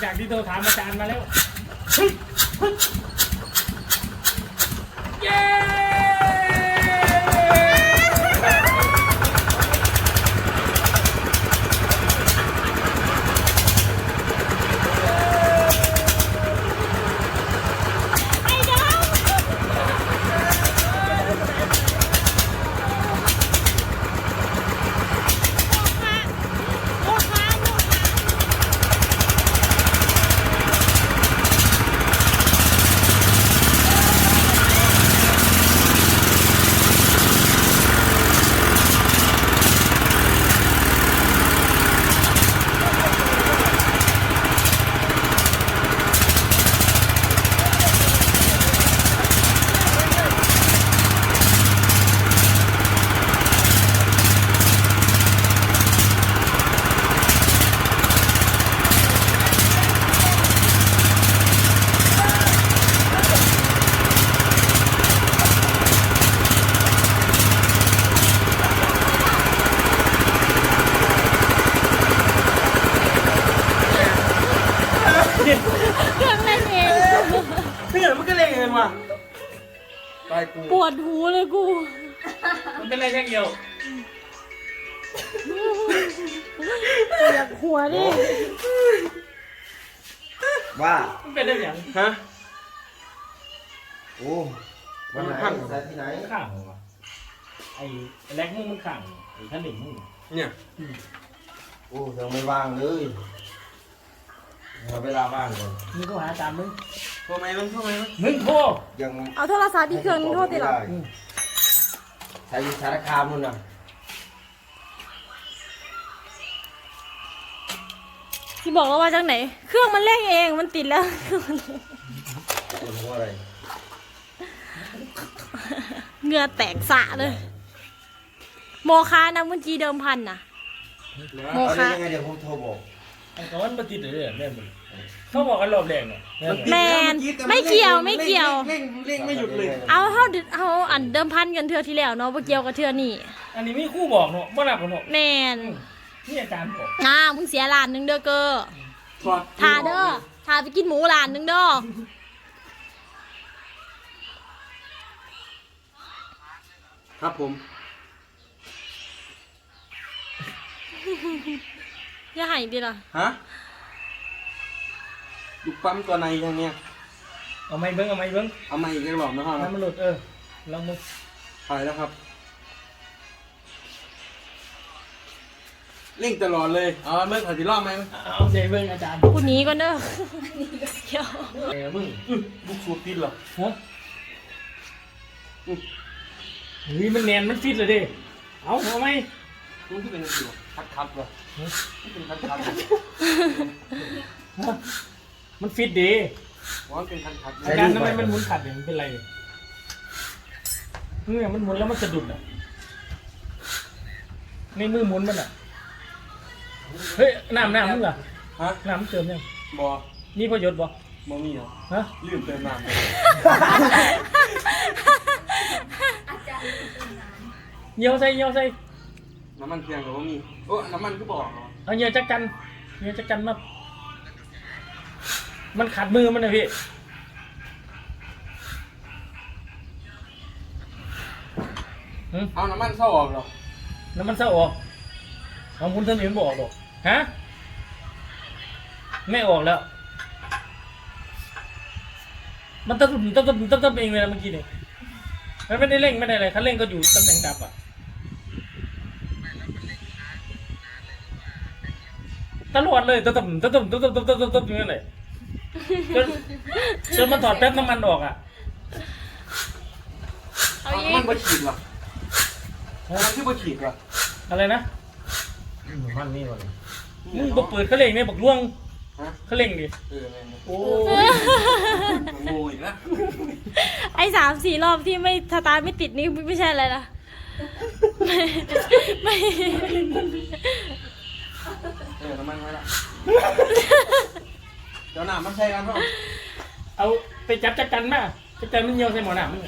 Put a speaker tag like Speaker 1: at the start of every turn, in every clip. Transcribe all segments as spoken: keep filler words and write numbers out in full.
Speaker 1: จากที่โทรถามอาจารย์มาแล้วเย้
Speaker 2: เครื่องเล่นเอง
Speaker 3: เพื่อนมันก็เล่นเงินว่ะตายกู
Speaker 2: ปวดหูเลยกู
Speaker 1: มันเป็นอะไรแค่เดียว
Speaker 2: อยากหัวดิ
Speaker 3: ว่า
Speaker 1: มันเป็นได้อย่าง
Speaker 3: ฮะ
Speaker 4: โอ้วันไหนใส่ที่ไหน
Speaker 1: ข้างวะไอ้แล็กมึงมันข้างไอ้ท่านหนึ่งมึง
Speaker 3: เนี่ย
Speaker 4: โอ้ยังไม่ว่างเลยเอาเวลาว่างก่อน
Speaker 1: มึงก็หาอาจารย์มึง
Speaker 3: โทรไหมมันโทรไหมมัน
Speaker 1: มึงโทร
Speaker 4: ยัง
Speaker 2: เอาโทรศัพท์ที่เครื่องนึงโทษติหรอ
Speaker 4: ใช้สารคามนู่นน่ะ
Speaker 2: ที่บอกแล้วว่าจากไหน เครื่องมันเร่งเองมันติดแล้ว
Speaker 4: ปวดหัวอะไร
Speaker 2: เหงื่อแตกสะเลย โมคานะเมื่อกี้เดิมพันน่ะ โม
Speaker 4: เอา
Speaker 2: คะ
Speaker 4: ได้ยังไงเดี๋ยวผมโทรบอก
Speaker 1: ไอ้ก้อนมาติดเลยเนี่ยแม่มึงเขาบอกกันรอบแรงเนี่ย
Speaker 2: แมนไม่เกี่ยวไม่เกี่ยว
Speaker 3: เร่งเร่งไม่หยุดเลย
Speaker 2: เอาเท่าเอาอันเดิมพันกันเทือที่แล้วเนาะบ่เกี่ยวกับเทือนี่
Speaker 1: อันนี้มีคู่บอกเนาะบ่รับกันเนาะ
Speaker 2: แมน
Speaker 1: นี่อาจารย์บอก
Speaker 2: อ่ามึงเสียล้านหนึงเด้อเกอ
Speaker 3: ถอด
Speaker 2: ทาเด้อทาไปกินหมูล้านหนึงเด้อ
Speaker 3: ครับผม
Speaker 2: อย่าให้ดิล่ะ
Speaker 3: ฮะลูกปั๊มตัวในยังเนี่ย
Speaker 1: เอาไม้เบิ้งเอาไม้เบิ้ง
Speaker 3: เอามาอีกรอบนะครับ
Speaker 1: ให้มันหลุดเออลองมึง
Speaker 3: ไปแล้วครับเร่งตลอดเลยเอาเมื่อขอที่รอบไหม
Speaker 1: เอาใจเบิ้งอาจารย์
Speaker 2: กูหนีก่อนเด้อเดี๋ยว
Speaker 1: เออมึง
Speaker 3: อื้อลูกสูบติดเหรอ
Speaker 1: ฮะเฮ้ยมันแนนมันฟิตเลยดิเอาเอาไหม
Speaker 3: มันที่เป็นสิวคัดคัดๆเหรอมันเป็นคัดคัด
Speaker 1: ฮะมันฟิตดี
Speaker 3: ว่ามันเป็นคัดคัด
Speaker 1: อาการทำไมมันหมุนขัดเนี่ยมันเป็นไรเนี่ยมันหมุนแล้วมันสะดุดอ่ะในมือหมุนมันอ่ะเฮ้ยน้ำน้ำมึงเหรอ
Speaker 3: ฮะ
Speaker 1: น้ำมึงเติมยัง
Speaker 3: บอ
Speaker 1: นี่ประโยชน์บ่
Speaker 3: บอมีเหรอ
Speaker 1: ฮะ
Speaker 3: ลืมเติมน้ำเลย
Speaker 1: เหนียวใส่เหนียวใส่
Speaker 3: น้ำมันเพียงกับบอมีโอ้น้ำมันก็บอกเหรอ
Speaker 1: เอาเหนียวจักกันเหนียวจักกันมามันขัดมือมันนะพี่หืม
Speaker 3: เอาน้ำมันเข้าออกเหรอ
Speaker 1: น้ำมันเศร้าออกของคุณท่านเห็นบออกหรอกฮะไม่ออกแล้ว มันตะตุ่มตะตุ่มตะตุ่มเองเลยนะเมื่อกี้นี่มันไม่ได้เร่งไม่ได้อะไรคันเร่งก็อยู่ตำแหน่งดับอ่ะตลอดเลยตะตุ่มตะตุ่มตะตุ่มตะตุ่มตะตุ่มอย่างนั้นเลยจนจนมันถอดแป๊บน้ำมันออกอ่ะ
Speaker 2: เอาอี
Speaker 3: มัน
Speaker 2: ก
Speaker 3: บ่ฉีดเหรอมันคือบ่ฉีดเหรอ
Speaker 1: อะไรนะ
Speaker 4: มันนี่ก่อน
Speaker 1: มึงบอกเปิดเขาเร่งเนี่ยบอกล่วง
Speaker 3: ฮะ
Speaker 1: เขาเร่งดิ
Speaker 3: เออแม่น
Speaker 1: โอ้
Speaker 3: โง่อีกแล้ว
Speaker 2: ไอ้สามสี่รอบที่ไม่สตาร์ทไม่ติดนี่ไม่ใช่อะไรนะไม่ไม่
Speaker 3: เออน้ำมันไว้ละเดี๋ยวน้ำมันใช้กันเปล่า
Speaker 1: เอาไปจับจักกันมาจักกันมันเหี่ยวใส่หมอหนามมึง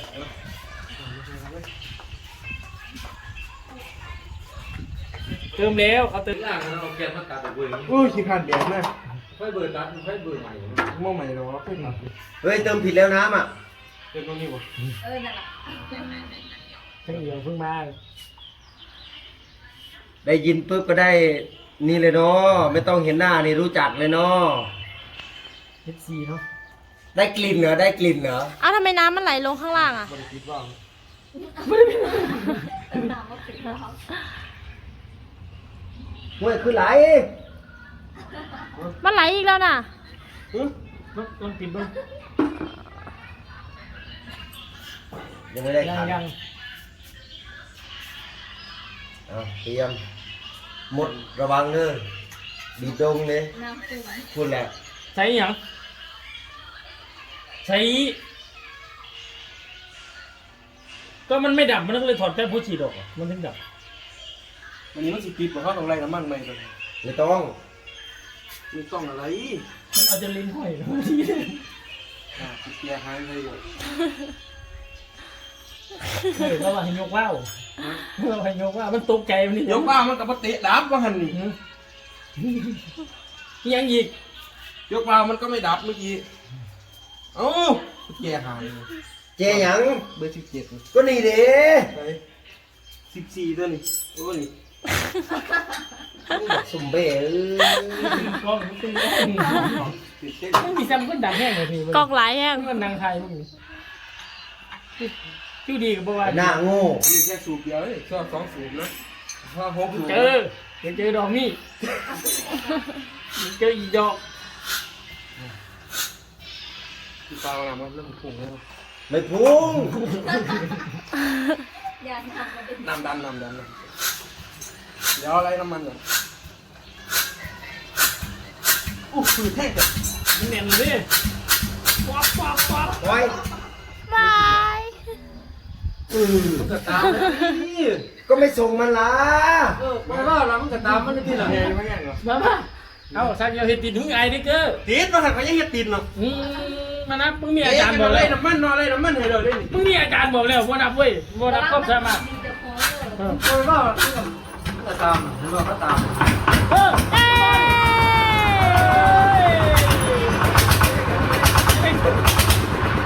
Speaker 1: เติมแล้วเอาเติม
Speaker 4: ล่างเราเก็บมาตัดตัวเอง
Speaker 3: อุ้ยขี้ขันเดียดนะไฟเบิร์ดดัดไฟเบิร์ดใหม่มองใหม่เนาะไฟดัด
Speaker 4: เฮ้ยเติมผิดแล้วน้ำอ่ะ
Speaker 3: เต็มตรงนี้บ่
Speaker 5: เออนั่นแหละ
Speaker 3: เพิ่งเดียวเพิ่งมา
Speaker 4: ได้ยินปุ๊บก็ได้นี่เลยเนาะไม่ต้องเห็นหน้านี่รู้จักเลยเนาะ
Speaker 3: เอฟซีเนาะ
Speaker 4: ได้กลิ่นเหรอได้กลิ่นเหรอ
Speaker 2: เอ้าทำไมน้ำมันไหลลงข้างล่างอ่ะ
Speaker 3: บริคิดว่า
Speaker 5: น้ำมันถึงแล้ว
Speaker 4: ห้วยคือไหล
Speaker 2: มันไหลอีกแล้วน่ะ
Speaker 3: ลองกินบ้าง
Speaker 4: ยังไม่ได้
Speaker 3: ยัง
Speaker 4: ขัน
Speaker 3: ยัง
Speaker 4: เอาเตรียมหมดระวังเด้อดีดงเลย
Speaker 5: น้ำตึง
Speaker 4: พูดแหละ
Speaker 1: ใช้หยังใช้ก็มันไม่ดับมันก็เลยถอดแป๊บผู้ฉีดออกอะมันถึงดับ
Speaker 3: วันนี้มันสิปิดบ่เขาต้องไล่น้ำมันใหม่เลย
Speaker 4: ไม่ต้อง
Speaker 3: ไม่ต้องอะไร
Speaker 1: มันเอาจะลิ้นห้อย
Speaker 3: อ่าเกียร์หายไปอยู่
Speaker 1: เฮ้ยเราว่าให้ยกว่าวเราให้ยกว่าวมันตกใจมันนี่
Speaker 3: ยกว่ามันกับเตะดับว่าหันนี่
Speaker 1: ยังอีก
Speaker 3: ยกว่ามันก็ไม่ดับเมื่อกี้เอ้าเกียร์หาย
Speaker 4: เจหยัง
Speaker 3: เบอร์สิบเจ็ด
Speaker 4: ก็นี่เด้
Speaker 3: ไปสิบสี่ตัวนี่โอ้นี่
Speaker 4: สุ่มเบ้เอ้ย
Speaker 1: กล้องมันตึงกล้อง
Speaker 3: ติดเช็ค
Speaker 1: มันมีซ้ำก็ดังแห้งเลยพี่
Speaker 2: กอกไหลแห้ง
Speaker 1: มันดังไทยพวกนี้คิวดีกับบัว
Speaker 4: หน้าโง่
Speaker 3: อันนี้แค่สูบเดียวเลยชอบสองสูบนะถ้าหกสูบ
Speaker 1: เจอเดี๋ยวเจอดอกนี่เจออีดอก
Speaker 3: ที่ตาเรามันเริ่มพุ่งแล้ว
Speaker 4: ไม่พุ่ง
Speaker 5: อย่าทำมันเป็น
Speaker 3: น้ำดันน้ำดันนะเดี๋ยวอะไรน้ำมันก่อนอู้ฝืดแท้เลย
Speaker 1: มันแน่นเลยป๊อปป๊อปป๊อป
Speaker 4: ไว้
Speaker 2: บาย
Speaker 3: มันก็ตามนี่
Speaker 4: ก็ไม่ส่งมันละ
Speaker 3: เออมาล่าเรามันก็ตามมันที่หลังไงไม่แง่เหรอ
Speaker 1: มาป่ะเอาสักเดียวเห็ดติดหึงไอ้นี่เก้อ
Speaker 3: ติดมาหันก็ยังเฮ็ดติดเนาะ
Speaker 1: อืมมานะมึงมีอา
Speaker 3: เอ๊ะ
Speaker 1: จารย์บ
Speaker 3: จะ
Speaker 1: อก
Speaker 3: ไล่
Speaker 1: แล้ว
Speaker 3: น้ำมันนอนไล่น้ำมันให้เราได้นี่
Speaker 1: มึงมีอาจารย์บอกแล้วว่านับเว้ยว่านับก็สามารถ
Speaker 5: ดินจะโค้งเลย
Speaker 1: เออ
Speaker 3: โอ้ยว่าก็ตามเห็นว่าก็ตาม
Speaker 1: เออ
Speaker 2: เอ้ย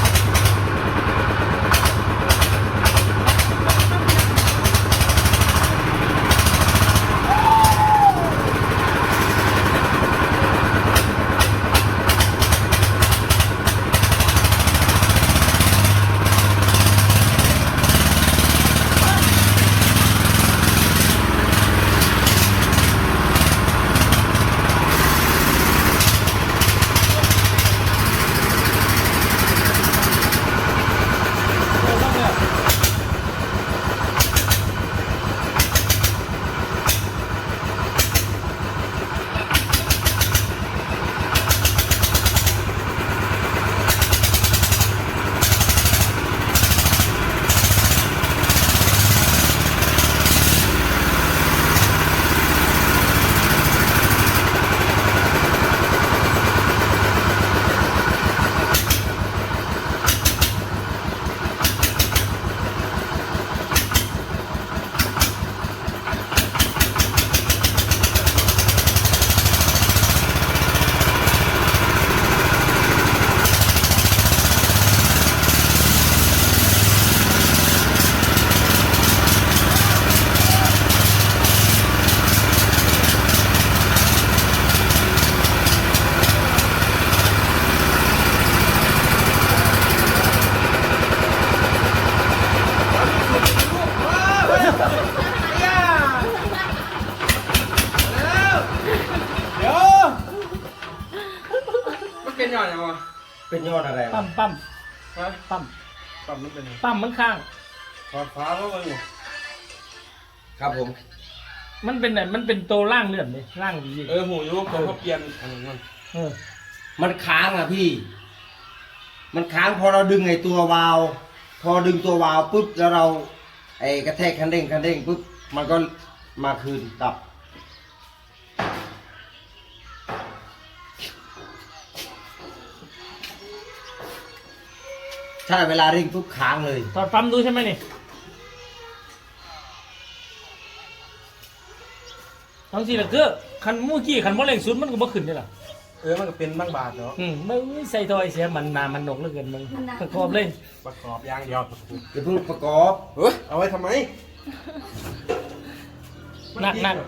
Speaker 3: เดี๋ยวมันเป็นยอดยังวะ
Speaker 4: เป็นยอดอะไร
Speaker 1: ปั๊
Speaker 4: วะ
Speaker 1: มปั๊ม
Speaker 3: ฮะ
Speaker 1: ปั๊ม
Speaker 3: ปั๊มมันเป็นยัง
Speaker 1: ปั๊มมันข้าง
Speaker 3: ถอดฟ้าแล้วมัน
Speaker 4: ครับผม
Speaker 1: มันเป็นไหนมันเป็นตัวล่างเลื่อนเลยล่างดี
Speaker 3: เออหูยุบเขาเขาเปลี่ยนอันนั้นมัน
Speaker 1: เออ
Speaker 4: มันค้างอ่ะพี่ มันค้างพอเราดึงไอ้ตัววาล์วพอดึงตัววาล์วปุ๊บแล้วเรา ไอ้กระแทกคันเร่งคันเร่งปุ๊บมันก็มาคืนกลับ ใช่เวลาเร่งปุ๊บค้างเลย
Speaker 1: ถอดปั๊มดูใช่ไหมนี่ทั้งสี่ละเก้อคันเมื่อกี้คันบ่เร่งสุดมันก็บ่ขึ้นนี่ล่ะ
Speaker 3: เออมันก็เป็นบางบาทเนาะ
Speaker 1: อืมมึงใส่ถ้อยเสียมันนามันหนกเหลือเกินมึงประกอบเลย
Speaker 3: ประกอบอย่างเดียว
Speaker 4: จะเพิ่งประกอบ
Speaker 3: เฮ้ยเอาไว้ทำไม
Speaker 1: หนักหนัก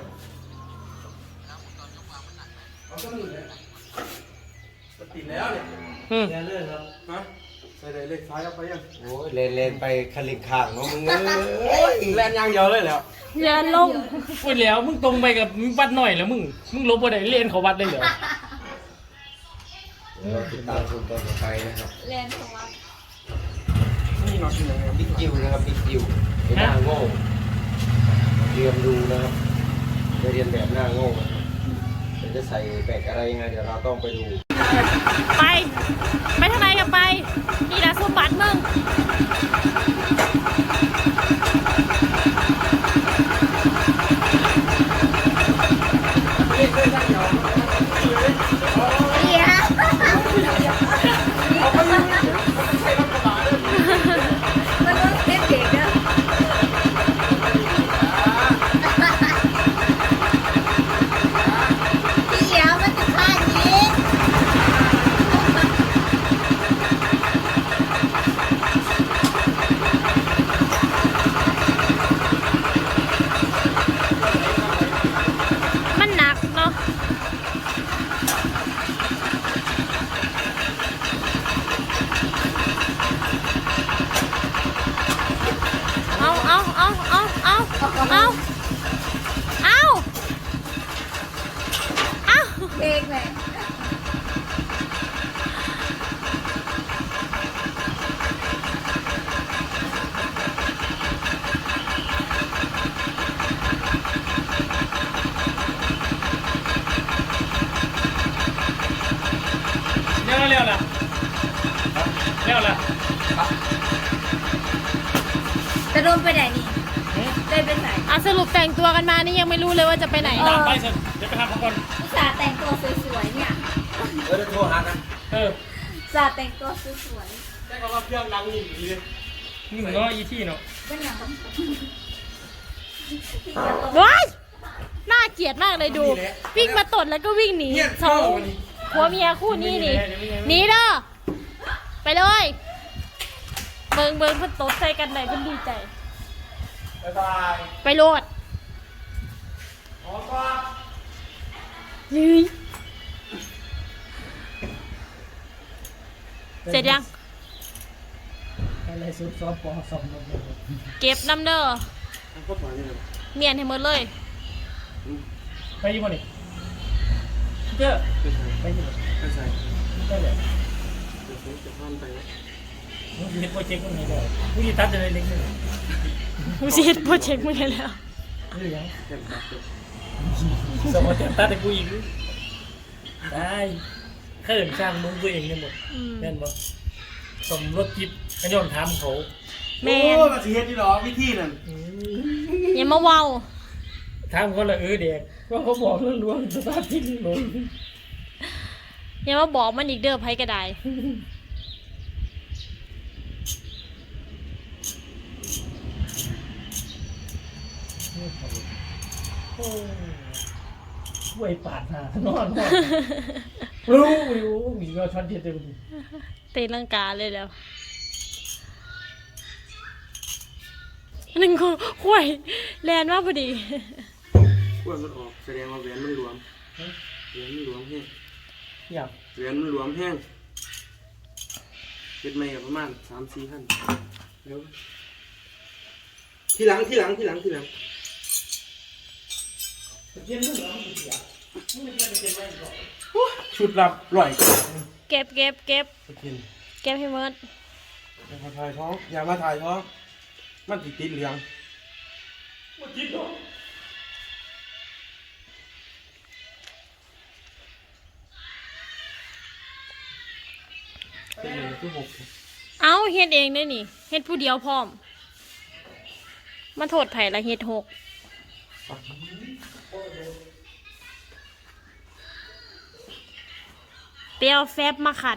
Speaker 3: เอาก็นี่เลยมันติดแล้วเนี่ย
Speaker 1: อืม
Speaker 4: แน่เลยครับ
Speaker 3: ฮะใส่เลยเลขซ้ายเอาไปยัง
Speaker 4: โอ้ยเลนเลนไปคันลิงข้างเนาะมึงเอ้ย
Speaker 3: แลนอย่างเดียวเลยแล้ว
Speaker 2: เรือนลง
Speaker 1: พูดแล้วมึงตรงไปกับวัดหน่อยแล้วมึงมึงลบบ่ได้เล่นเขาวัดได้เหรอ
Speaker 4: เราติดตามชมตอนต่อไปนะครับ
Speaker 5: แลนของว่า
Speaker 3: นี่เนาะที่ไหนเนี่ย
Speaker 4: บิ๊กจิวนะครับบิ๊กจิวไอ้หน้าโง่เรียนดูนะครับจะเรียนแบบหน้าโง่นะครับเดี๋ยวจะใส่แปลกอะไรยังไงเดี๋ยวเราต้องไปดู
Speaker 2: ไปไปทางไหนกันไปนี่ละสมบัติมึง
Speaker 5: เดี๋ยวมันต้องเด็กเด็กเด้อเดี๋ยวมันจะพลาดยิง
Speaker 2: มันหนักเนาะเอาเอาเอาเอาเอาเอาเอาเอา
Speaker 5: เด็กเลย
Speaker 1: เร็วเร็วล่ะเร็วล่ะ
Speaker 5: จะโดนไปไหนนี่ได้ไปไหน
Speaker 2: อ่ะสรุปแต่งตัวกันมานี่ยังไม่รู้เลยว่าจะไปไหน
Speaker 1: ตามไปสิเดี๋ยวไปหาเขาก่อน
Speaker 5: อุตส่าห์แต่งตัวสวยๆเนี่ย
Speaker 4: เออโทรหากัน
Speaker 1: เออ
Speaker 5: อุตส่าห์แต่งตัวสวย
Speaker 3: ได้ก็รับเครื่องดังนี่ดีเลย
Speaker 1: นี่มึงเนาะอีที่เนาะ
Speaker 5: ๆเป็นอย่างนั้น
Speaker 2: ว้ายน่าเกลียดมากเลยดู วิ่งมาตดแล้วก็วิ่งหนี
Speaker 3: เนี่ย
Speaker 2: สองผัวเมียคู่นี้นี่หนีเด้อไปเลยเบิงเบิงเพิ่นตดใส่กันไหนเพิ่นดีใจ
Speaker 3: บ๊ายบาย
Speaker 2: ไปโลด
Speaker 3: ขอก่อน
Speaker 2: ยืยเสร็จยัง
Speaker 1: อะไรซุปซอสปอสมนม
Speaker 2: เก็บน้ำเด้อ
Speaker 3: พวกหมาเนี่ย
Speaker 2: เมียนให้หมดเลย
Speaker 1: ไปยี่ห้อนี่เจ้า
Speaker 3: ไม่ใช่
Speaker 1: ไปยี่ห้อ
Speaker 3: ไม่ใช่
Speaker 1: ได้เลย
Speaker 3: เดี๋ยวผมจะพานไปนะ
Speaker 1: มึงเห็นโปรเจกต์มึงไงได้มึงจะตัดอะไรเล็กนึง
Speaker 2: กูสิเฮ็ดโปรเจกต์มึงให้แล้ว
Speaker 1: นี่ยัง
Speaker 3: แค่ตัดเลย
Speaker 1: สมมติตัดแต่กูอีกได้แค่เดินสร้างมึงตัวเองเนี่ยหมด
Speaker 2: อืม
Speaker 1: แม่นบ่สมรถจิบกันย้อนถามเขา
Speaker 2: แม่น
Speaker 3: โอ้มาสิเฮ็ดที่หรอวิธีนั่น
Speaker 2: อย่ามาเว้า
Speaker 1: ถามเขาละเออเด็กว่าเขาบอกเรื่องล้วงสตาร์ทที่ลง
Speaker 2: อย่ามาบอกมันอีกเด้อไผก็ได้
Speaker 1: โอ้ห่วยปาดหน้านอนนอนรู้รู้มีก็ช็อตเด็ดเลย
Speaker 2: ตีลังกาเลยแล้วหนึ่งคนห่วยแลนมากพอดี
Speaker 3: อ้วนมันออกแสดงว่าแหวนมันหลวมแหวนมันหลวมแห้ง
Speaker 1: อยาก
Speaker 3: แหวนมันหลวมแห้งเป็นไม่ประมาณสามสี่พันเดี๋ยวที่หลังที่หลังที่หลังที่หลัง
Speaker 1: เย็นมึงเหรอมึงเสียมึงไม่เป็นเป็นไม่หรอก
Speaker 3: ชุดรับร่อย
Speaker 2: เก็บเก็บเก็บ
Speaker 3: ไปกิน
Speaker 2: เก็บให้หมด
Speaker 3: อย่ามาถ่ายท้องอย่ามาถ่ายท้องมันติดติดเหลือง
Speaker 1: มึงคิดเหรอ
Speaker 3: เป็นเหลืองคือหก
Speaker 2: เอาเฮ็ดเองได้นี่เฮ็ดผู้เดียวพร้อมมาโทษไผละเฮ็ดหกเปรียวแฟบมาขัด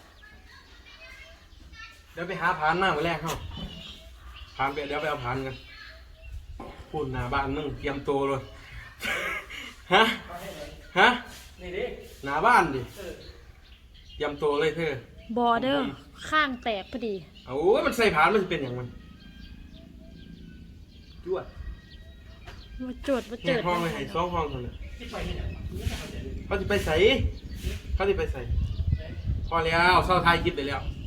Speaker 3: เดี๋ยวไปหาพานหน้ามาแรกเข้าพานไปเดี๋ยวไปเอาพานกันพูดหน้าบ้านมึงเตรียมตัวเลย ฮะ ฮะ
Speaker 1: นนี่ดิ
Speaker 3: หน้าบ้านดิเตรียมตัวเลยเธอบ
Speaker 2: อเดอร์ข้างแตกพอดี
Speaker 3: เอาโอ้ยมันใส่ผ่านมันจะเป็นอย่างมันจวด
Speaker 2: มาจดมา
Speaker 3: แค่
Speaker 2: เจิด
Speaker 3: ห้องเลยให้สองห้องเท่านั้น
Speaker 1: ที่ไปนี่แหละ
Speaker 3: เขาจะไปใส่เขาจะไปใส่พอแล้วเศร้าทายคลิปไปแล้ว
Speaker 1: ไ